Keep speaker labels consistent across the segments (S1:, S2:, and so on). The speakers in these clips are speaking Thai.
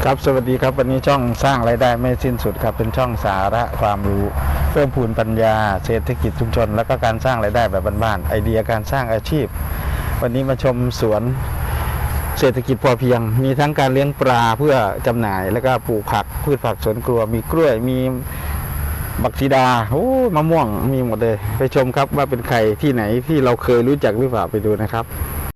S1: ครับสวัสดีครับวันนี้ช่องสร้างรายได้ไม่สิ้นสุดครับเป็นช่องสาระความรู้เพิ่มพูนปัญญาเศรษฐกิจชุมชนแล้วก็การสร้างรายได้แบบบ้านๆไอเดียการสร้างอาชีพวันนี้มาชมสวนเศรษฐกิจพอเพียงมีทั้งการเลี้ยงปลาเพื่อจำหน่ายแล้วก็ปลูกผักพืชผักสวนครัวมีกล้วยมีบักซีดาโอ้มะม่วงมีหมดเลยไปชมครับว่าเป็นใครที่ไหนที่เราเคยรู้จักหรือเปล่าไปดูนะครับ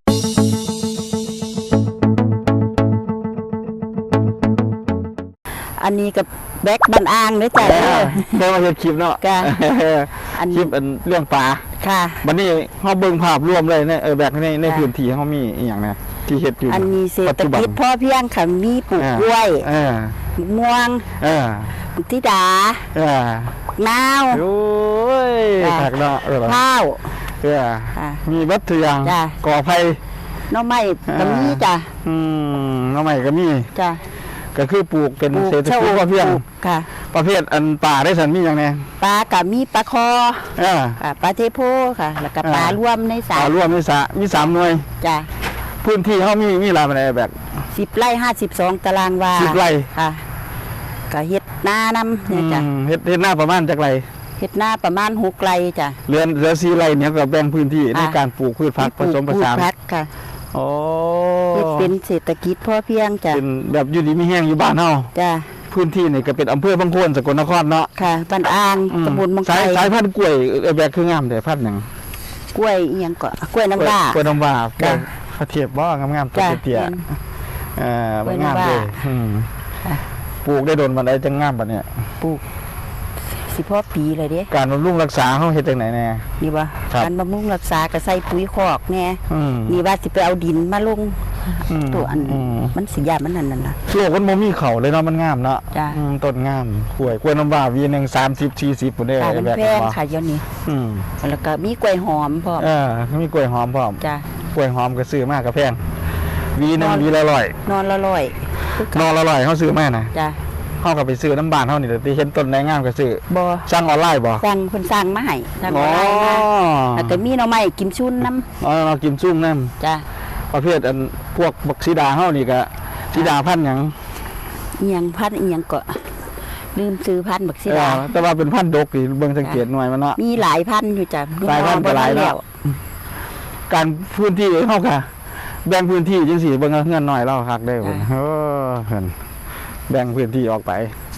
S2: อันนี้กับแบ็กบันอ่างด้วยจ้ะ
S1: ได้มาเห็นคลิปเนาะคลิปเรื่องปลา
S2: ค่ะ
S1: วันนี้เขาเบิ่งภาพรวมเลยเนี่ยแบบในพื้นที่เขามีอย่างนี้ที่เห็ดอยู่
S2: อันนี้เศรษฐกิจพอเพียงค่ะมีปลูกกล้วยม่วงทิดา
S1: ้
S2: าว
S1: โอ้ยผักเนาะ
S2: ข้าว
S1: มีวัตถุอย่างก่อไผ่
S2: น้องไม้ก็มีจ้ะ
S1: น้องไม้ก็มี
S2: จ้ะ
S1: ก็คือปลูกเป็นเศรษฐกิจพอเพียง
S2: ค่ะ
S1: ประเภทอันป่าได้สันมีอย่างไง
S2: ปลากับมีปลาคอปลาเทโพค่ะแล้วก็ปลาร่วมในสระ
S1: ปลาร่วมในสระมี3 หน่วย
S2: จ้ะ
S1: พื้นที่เขามีรายอะไรแบบ
S2: 10 ไร่ 52 ตารางวา
S1: 10 ไร่
S2: ค่ะก็เฮ็ดหน้านำเนี่ยจ้ะ
S1: เฮ็ดหน้าประมาณจักไร
S2: เฮ็ดหน้าประมาณ6 ไร่จ้ะ
S1: เหลือ4 ไร่เนี่ยก็แบ่งพื้นที่ในการปลูกพืชผักผสมผสาน
S2: ค่ะ
S1: โอ้
S2: เป็นเศรษฐกิจพอเพียงจ้ะ
S1: เป็นแบบอยู่ดีมีแห้งอยู่บ้านเฮา
S2: จ้ะ
S1: พื้นที่นี่ก็เป็นอำเภอบางโคนสกลนครเนาะ
S2: ค่ะบ้านอ่างตำบลบางไทร
S1: สายพันธุ์กล้วยแบบคืองามแต่พันธุ์หยัง
S2: กล้วยอีหยังก็กล้วยน้ำว้าก
S1: ล้วยน้ำว้าพระเทียบบ่งามๆตัวเตี้ยงามเลยปลูกได้โดนบันไดจังงามบัดเนี่ย
S2: ปลูกสิพ่อปีเลยเด้
S1: การบำรุงรักษาเฮาเฮ็ดจังไหนแน่
S2: นี่บ่การบำรุงรักษาก็ใส่ปุ๋ยคอกแน่นี่ว่าสิไปเอาดินมาลงตัวอันมันสิยามันนั่นน่ะ
S1: โลกมันบ่มีเขาเลยเนาะมันงามเนาะต้นงามกล้วยน้ำว้าวีนึง30 40พุ่นเด้
S2: แบบแพงค่ะเดี๋ยวนี้แล้วก็มีกล้วยหอมพร้อม
S1: มีกล้วยหอมพร้อม
S2: จ้ะ
S1: กล้วยหอมก็ซื้อมากก็แพงวีนึงวีละ100
S2: นอนละ
S1: 100เฮาซื้อมาน่ะ
S2: จ้ะ
S1: เฮาก็ไปซื้อน้ำบ้านเฮานี่ที่เห็นต้นไม้งามก็ซื้อ
S2: บ่
S1: สั่งออนไลน์บ่
S2: สั่งเพิ่นสั่งมาให้สั่งออนไลน์มาแล้วก็มีหน่อไม้กิมซุ่นน้
S1: ำเรากิมซุ่นน้
S2: ำจ้ะ
S1: ประเภทอันพวกบักซีดาเฮานี่ก็ซีดาพันธุ์หยัง
S2: อีหยังพันธุ์อีหยังก็ลืมซื้อพันธุ์บักซีดา
S1: แต่ว่าเป็นพันธุ์ดกนี่เบิ่งสังเกตหน่อยมันเนาะ
S2: มีหลายพันธุ์อยู่จ้ะ
S1: หลายพันธุ์ก็หลายแล้วการพื้นที่เฮาค่ะแบ่งพื้นที่จังซี่เบิ่งเฮือนน้อยเราคักได้พุ่นเพิ่นแบ่งพื้นที่ออกไป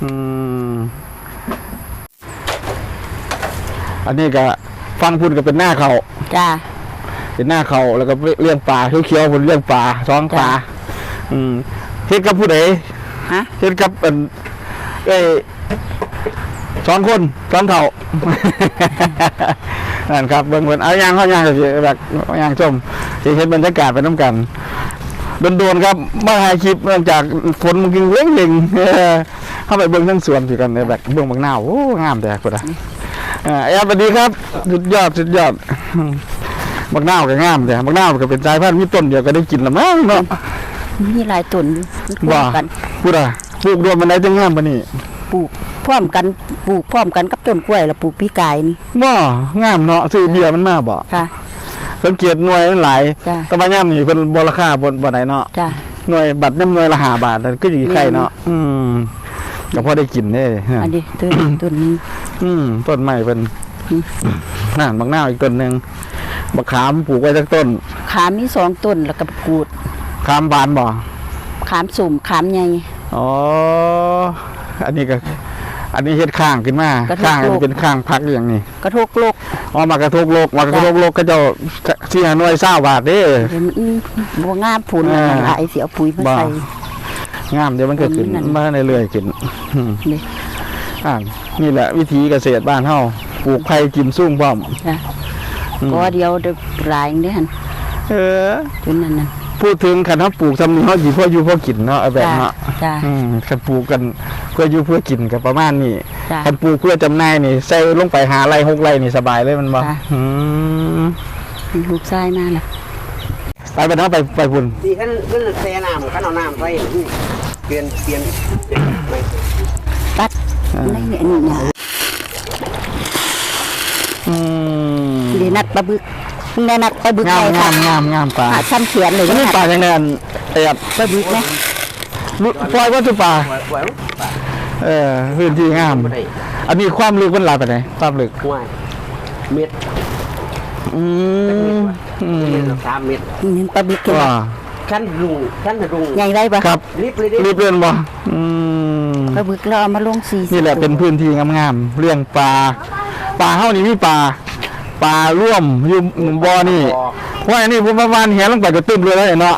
S1: อันนี้ก็ฟังพุ่นก็เป็นหน้าเขา
S2: จ้า
S1: เป็นหน้าเขาแล้วก็เลี้ยงปลาเขียวๆพุ่นเลี้ยงปลาท้องปลาเฮ็ดกับผู้ใดเฮ็ดกับ2 คน2 เฒ่านั่นครับเบิ่งเพิ่นเอาย่างเฮาย่างก็สิแบบย่างชมสิเห็นบรรยากาศไปนำกันโดนครับมาถ่ายคลิปเนื่องจากฝนมันกินเล่งๆเข้าไปเบิ่งทั้งสวนสิกันในแบบเบิ่งบางหน้าโอ้งามแต่พุ่นน่ะสวัสดีครับสุดยอดบางหน้าก็งามแต่บางหน้าก็เป็นสายพันธุ์มีต้นเดียวก็ได้กินละมั้งเนาะ
S2: มีหลายต้น
S1: ว่าพูดอ่ะปลูกรวมมันได้จังงามปะนี่
S2: ปลูกพร้อมกันกับต้นกล้วยแล้วปลูกปีกายนี่
S1: บ่งามเนาะซื้อเบียร์มันมาบ่
S2: ค่ะ
S1: สังเกตหน่วยมันหลายแต่ว่าย่ำนี่เป็นบราคาบนไหนเนาะหน่วยบัตรน้ำหน่วยละ5 บาทก็อยู่ใกล้เนาะก็พอได้กินได้
S2: อันนี้ต้นนี้
S1: ต้นใหม่เป็นน่านบางหน้าอีกต้นหนึ่งบักขามปลูกไว้สักต้น
S2: ขามมี2 ต้นแล้วก็กูด
S1: ขามบานบ่
S2: ขามสุ่มขามใหญ่
S1: อ๋ออันนี้เฮ็ดข้างขึ้นมาข้างเป็นข้างพักอย่างนี้
S2: กระทกโลก
S1: มากระทกโลกก็จะที่หน่วย20 บาทเด้
S2: บัวงามผุนหลายเสียปุ๋ยมาใส่
S1: งามเดี๋ยวมันก็ขึ้นมาเรื่อยๆขึ้นนี่แหละวิธีเกษตรบ้านเฮาปลูกไผ่กิมซุ่งพร้อม
S2: ก็เดียวหลายเด้หั่นจนนั้น
S1: พูดถึงคันเฮาปลูกซำนี้เฮาสิพออยู่พอกินเนาะแบบเนาะคันปลูกกันเพื่ออยู่เพื่อกินก็ประมาณนี้คันปลูกเพื่อจำหน่ายนี่ใส่ลงไป5 ไร่ 6 ไร่นี่สบายเลยมันบ่
S2: ลูกชายมาแล้ว
S1: ไปเนาะไปพุ่น
S3: นี่คันแช่น้ำคันเอาน้ำไปเปลี่ยน
S2: ตัดนี่เนี่ยดีนัดปลาบึกนัดปลาบึก
S1: งามปลา
S2: ซ้ำเขียนเลย
S1: นี่ปลาจังได๋ป
S2: ลาบึกไหม
S1: ปล่อยวัตถุป่า
S3: ปล่อย
S1: พื้นที่งาม
S3: บ่ได้
S1: อันนี้ความลึกมันหลายไปไหนความลึก
S3: ห่วยเม็ด
S1: อืม
S3: เม็ดละ3เม็ด
S2: นี่ปลาบึกเห็นบ่
S1: ว่า
S3: ขั้นรุง
S2: ใหญ่ได้บ่
S1: ครับ
S3: รีบเลยดิ
S1: รีบเรื่องบ่
S2: ปลาบึกเราเอามาลง40
S1: นี่แหละเป็นพื้นที่งามๆเรื่องปลาเฮานี่มีปลาร่วมอยู่บ่อนี่ว่าอันนี้ผมประมาณเห็นลงไปก็ตึ้มเลยแล้วเนาะ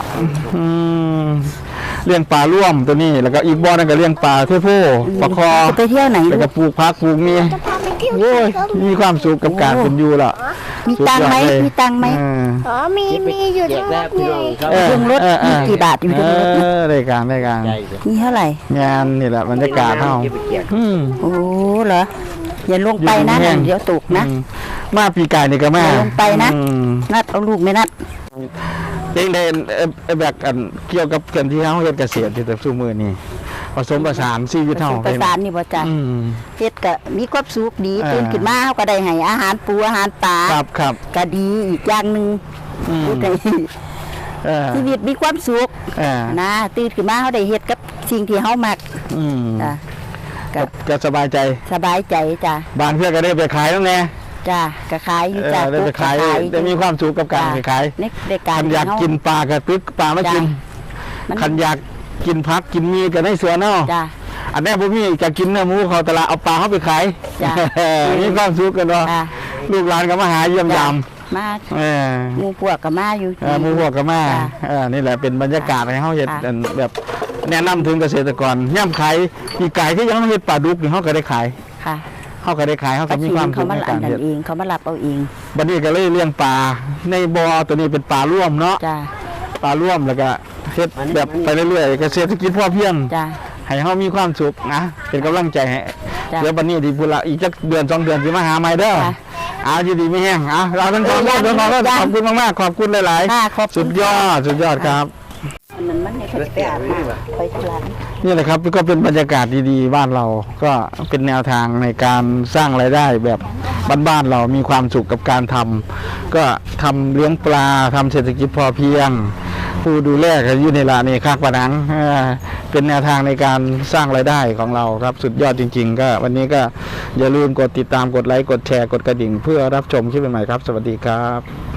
S1: เลี้ยงปลาร่วมตัวนี้แล้วก็อีกบ่อนั่นก็เลี้ยงปลาเทโพปลาคอ
S2: จะไปเที่ยวไหน
S1: แล้ว
S2: ลู
S1: ก็
S2: ก
S1: ปลูกผักปลูกนี่โอ้ยมีความสุขกับการเป็นอยู่แล้ว
S2: มีตังค์ไหมมีตังค์ไหม
S4: อ๋อมีอยู่
S3: แจ
S4: ทั้
S3: ก
S4: งร
S3: แล้ว
S4: ถ
S3: พี่
S4: ไง
S3: น้องครับ
S2: เครื่องรถมีกี่บาทอยู่ในรถนะ
S1: ได้การ
S3: ใหญ่
S2: มีเท่าไหร่
S1: งานนี่แหละบรรยากาศเฮา
S3: เก็บไปแจก
S2: โอ้เหรออย่าลงไปนะ
S1: อยู่แห้ง
S2: เดี๋ยวตกนะ
S1: มาปีกายนี่ก็มา
S2: อย่าลงไปนะ นัดเอาลูกไหม่นัด
S1: เองได้แบบอันเกี่ยวกับการที่เฮาเฮ็ดเกษตรที่แต่ซุมื้อนี้ผสมผสานชีวิตเฮา
S2: ประสานนี่บ่จ้ะ
S1: อืม
S2: เฮ็ดก็มีความสุขดี
S1: อ่า
S2: ตื่นขึ้นมาเฮาก็ได้ให้อาหารปูอาหารปลา
S1: ครับ
S2: ก็ดีอีกอย่างหนึง
S1: อืม
S2: พูดได้
S1: เออ
S2: ชีวิตมีความสุข
S1: เออ
S2: นะตื่นขึ้นมาเฮาได้เฮ็ดกับสิ่งที่เฮามัก
S1: อืม
S2: จ้ะก็
S1: ก็สบายใจ
S2: สบายใจจ้ะ
S1: บางเทื่อก็ได้ไปขายแล้วแน่
S2: จ้ะก็ขายอยู่จ้ะ
S1: ได้ไปขายได้มีความสุขกับการไปขาย
S2: ในการ
S1: คันอยากกินปลาก็ตึกปลามากิน
S2: มัน
S1: คันอยากกินผักกินมีก็ในสวนเนาะ
S2: จ้ะ
S1: อันนี้พวกพี่จะกินเนื้อหมูเขาตลาดเอาปลาเขาไปขาย
S2: จ้ะ
S1: มีความสุขกันเนาะ
S2: จ้ะ
S1: ลูกหลานก็มาหาเยี่ยมยาม
S2: มา
S1: เออ
S2: หมู่พวกก็มาอยู่
S1: หมูพวกก็มา
S2: จ้ะ
S1: นี่แหละเป็นบรรยากาศให้เขาเห็ด
S2: จ้ะ
S1: แบบแนะนำถึงเกษตรกรย่ำขายปีกไก่ที่ยังไม่เห็ดปลาดุกนี่เขาก็ได้ขาย
S2: ค่ะ
S1: เขาก็ได้ขายเขา
S2: ป
S1: ก็
S2: ลา
S1: มี
S2: ชิ
S1: ความ
S2: ง
S1: สุ
S2: เขา
S1: ข
S2: มา
S1: ใน
S2: อั
S1: กาน ร
S2: นั้น
S1: เห็ด
S2: เองเขามารับเอาเอง
S1: บัดนี้ก็เลยเลี้ยงปลาในบ่อตัวนี้เป็นปลาร่วมเนาะ
S2: จ้ะ
S1: ปลาร่วมแล้วก็เฮ็ดแบบไปเรื่อยๆเกษตรกิจพอเพียง
S2: จ้ะ
S1: ให้เขามีความสุขนะเป็นกำลังใจให้
S2: จ้ะ
S1: เดี๋ยวบัดนี้ดีพุละอีกจักเดือน2 เดือนสิมาหาใหม่เด้อ
S2: จ้ะ
S1: เอาอยู่ดีไม่แห้งเอาเราทั้งสองคนเดินทางแล้วขอบคุณมากๆขอบคุณหลาย
S2: ค่ะขอบ
S1: ๆ
S2: คุ
S1: สุ
S2: ณ
S1: ดยอดสุดยอดครับ
S2: มันในไปอาบน้ำไปทุร้าน
S1: นี่แหละครับก็เป็นบรรยากาศดีๆบ้านเราก็เป็นแนวทางในการสร้างรายได้แบบบ้านๆเรามีความสุขกับการทำก็ทำเลี้ยงปลาทำเศรษฐกิจพอเพียง ผู้ดูแลก็อยู่ในร้านนี่คากปะนังเป็นแนวทางในการสร้างรายได้ของเราครับสุดยอดจริง ๆ ก็วันนี้ก็อย่าลืมกดติดตามกดไลค์กดแชร์กดกระดิ่ง เพื่อรับชมคลิปใหม่ๆครับ สวัสดีครับ